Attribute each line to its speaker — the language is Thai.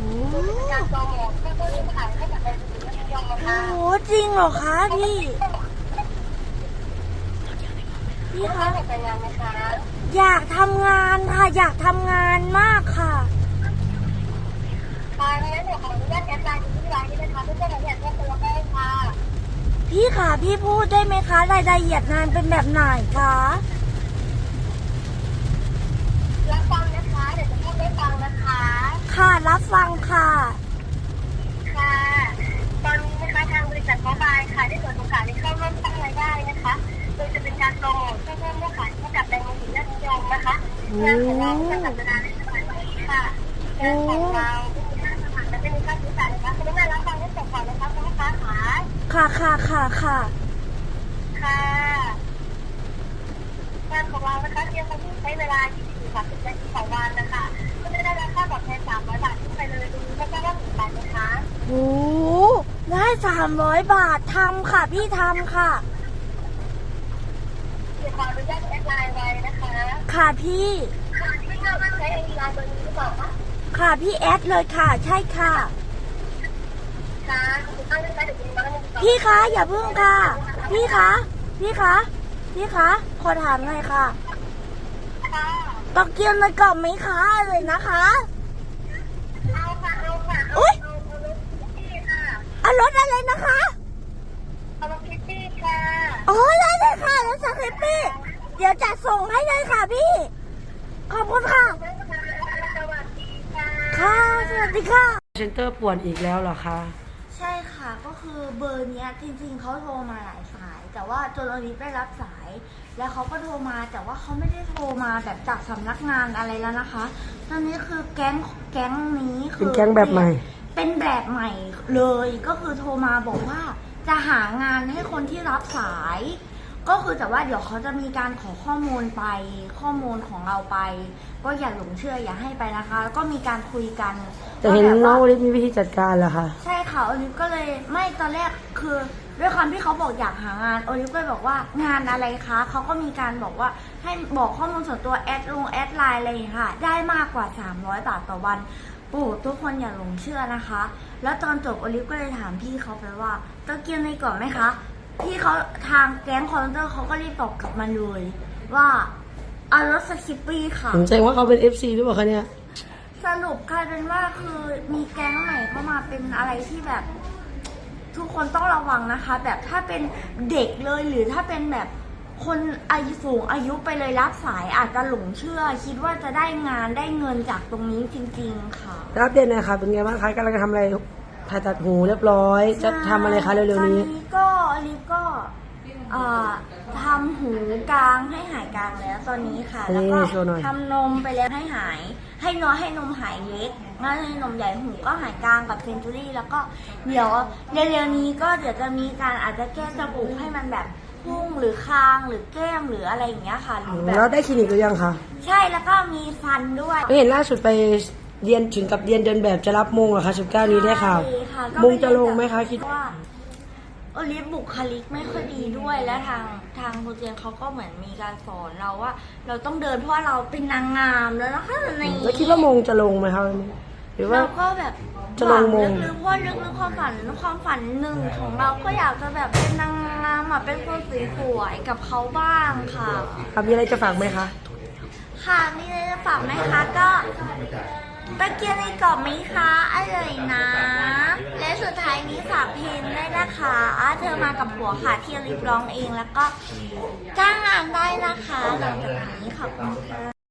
Speaker 1: เป็นการโปรโมทเพื่อที่ขายให้กับในสื่อและนิยมนะคะ
Speaker 2: โอ้จริงเหรอคะพี่คะ
Speaker 1: เป็นงานนะคะ
Speaker 2: อยากทำงานค่ะอยากทำงานมากค่ะ
Speaker 1: ค่ะงั้นเดี๋ยวขออนุญาตแอดไลน์ที่ร้านนี้นะคะเพื่อจะรายละเอียดเพิ่มเติมได้ค่ะ
Speaker 2: พี่ค่ะพี่พูดได้ไหมคะรายละเอียดงานเป็นแบบไหนคะ
Speaker 1: รับฟังนะคะเดี๋ยวจะพูดได้ฟังนะคะ
Speaker 2: ค่ะรับฟังค่ะ
Speaker 1: ค่ะตอนนี้นะคะทางบริษัทโมบายค่ะได้เปิดโอกาสให้เข้าร่วมสร้างรายได้นะคะโดยจะเป็นการโปรโมทเพื่อเพิ่มยอดขายให้กับแบรนด์มือถือและนิยมนะคะงานของเราจะจัดเวลาในสถานที่ค่ะงานของเราจะมีค่าใช้จ่ายนะคะคุณแม่รับฟังให้จบก่อนนะคะคุณลูกค้าค่ะ
Speaker 2: ค่ะ
Speaker 1: ค่ะงานของเรานะคะเพียงคนที่ใช้เวลา20-30 นาทีต่อวันนะคะก็จะได้รับค่าตอบแทน300 บาทขึ้นไปเลยดูไม่ทราบว่าสนใจไหมคะ
Speaker 2: โอ้ได้300 บาททำค่ะพี่ทำค่ะ
Speaker 1: เดี๋ยวขออนุญาตแอดไลน์ไว้นะคะ
Speaker 2: ค่ะพี่
Speaker 1: ค่ะที่ทราบว่าใช้ไอดีไลน์เบอร์นี้หรือเปล่าคะ
Speaker 2: ค่ะพี่แอดเลยค่ะใช่ค่ะ
Speaker 1: ค่ะคุณตั้งใจเดี๋ยวคุณมาแล้ว
Speaker 2: พี่คะอย่าเพิ่งค่ะพี่คะขอถามหน่อยค่ะตอเกียวในกล่องไหมคะเลยนะคะ
Speaker 1: เอาค่ะ
Speaker 2: อุ้ย
Speaker 1: เอารถคิตตี้ค่ะ
Speaker 2: เอารถอะไรนะคะ
Speaker 1: เอารถคิตตี้ค่ะ
Speaker 2: โอ้ได้เลยค่ะรถสคิปปี้เดี๋ยวจะส่งให้เลยค่ะพี่ขอบคุณค่ะ
Speaker 1: สวัสดีค่ะ
Speaker 2: ค่ะสวัสดีค่ะ
Speaker 3: เซ็นเตอร์ป่วนอีกแล้วเหรอคะ
Speaker 2: ใช่ค่ะก็คือเบอร์นี้จริงๆเขาโทรมาหลายสายแต่ว่าจนอลิฟได้รับสายแล้วเขาก็โทรมาแต่ว่าเขาไม่ได้โทรมาแบบจากสำนักงานอะไรแล้วนะคะตอนนี้คือแก๊งนี้คือ
Speaker 3: เป็นแก๊งแบบใหม่
Speaker 2: เป็นแบบใหม่เลยก็คือโทรมาบอกว่าจะหางานให้คนที่รับสายก็คือแต่ว่าเดี๋ยวเขาจะมีการขอข้อมูลของเราไปก็อย่าหลงเชื่ออย่าให้ไปนะคะแล้วก็มีการคุยกัน
Speaker 3: แต่เห็นน้องโอลิฟมีวิธีจัดการเหรอคะ
Speaker 2: ใช่ค่ะโอลิฟก็เลยไม่ตอนแรกคือด้วยความที่เขาบอกอยากหางานโอลิฟก็เลยบอกว่างานอะไรคะเขาก็มีการบอกว่าให้บอกข้อมูลส่วนตัวแอดไลน์อะไรค่ะได้มากกว่า300 บาทต่อวันโอ้ทุกคนอย่าหลงเชื่อนะคะแล้วตอนจบโอลิฟก็เลยถามพี่เขาไปว่าตะเกียงในกล่องไหมคะพี่เขาทางแก๊งคอร์เตอร์เขาก็รีบตอบกลับมาเลยว่าเอารถสคิปปี้ค่ะ
Speaker 3: ผมใจว่าเขาเป็น FC หรือเปล่าคะเนี่ย
Speaker 2: สรุปกลายเป็นว่าคือมีแก๊งใหม่เข้ามาเป็นอะไรที่แบบทุกคนต้องระวังนะคะแบบถ้าเป็นเด็กเลยหรือถ้าเป็นแบบคนอายุสูงอายุไปเลยรับสายอาจจะหลงเชื่อคิดว่าจะได้งานได้เงินจากตรงนี้จริงๆค่ะ
Speaker 3: รับเด่นนะคะเป็นไงบ้างคะกำลังทำอะไรถ่ายตัดหูเรียบร้อยจะทำอะไรคะเร็วๆนี้
Speaker 2: ตอนนี้ก็ลิฟก็ทำหูกลางให้หายกลางแล้วตอนนี้ค่ะแล้วก็ทำนมไปแล้วให้หายให้นมหายเล็กแล้วให้นมใหญ่หูก็หายกลางกับเซนจูรี่แล้วก็เดี๋ยวเร็วๆนี้ก็เดี๋ยวจะมีการอาจจะแก้จมูกให้มันแบบพุ่งหรือคางหรือแก้มหรืออะไรอย่างเงี้ยค่ะหรือแบบ
Speaker 3: แล้วได้คลินิกหรือยังคะ
Speaker 2: ใช่แล้วก็มีฟันด้วย
Speaker 3: เห็นล่าสุดไปเรียนถึงกับเรียนเดินแบบจะรับมงเหรอคะ19 นี้ได้ข่าวมงจะลงไหมคะคิด
Speaker 2: ว่าโอลิฟบุคลิกไม่ค่อยดีด้วยและทางโปรเจกต์เขาก็เหมือนมีการสอนเราว่าเราต้องเดินเพราะว่าเราเป็นนางงามแล้วนะคะใน
Speaker 3: แล้วคิดว่ามงจะลงไหมคะหรือว่า
Speaker 2: เราก็แบบ
Speaker 3: จะลงมง
Speaker 2: ลึกๆเพราะลึกๆความฝันหนึ่งของเราก็อยากจะแบบเป็นนางงามเป็นคนสวยๆกับเขาบ้างค่ะ
Speaker 3: มีอะไรจะฝากไหมคะ
Speaker 2: ค่ะมีอะไรจะฝากไหมคะก็ตะเกียงในกรอบไหมคะอร่อยนะและสุดท้ายนี้ฝากเพลงได้นะคะเธอมากับผัวค่ะที่ลิฟร้องเองแล้วก็จ้างงานได้นะคะหลังจากนี้ขอบคุณค่ะ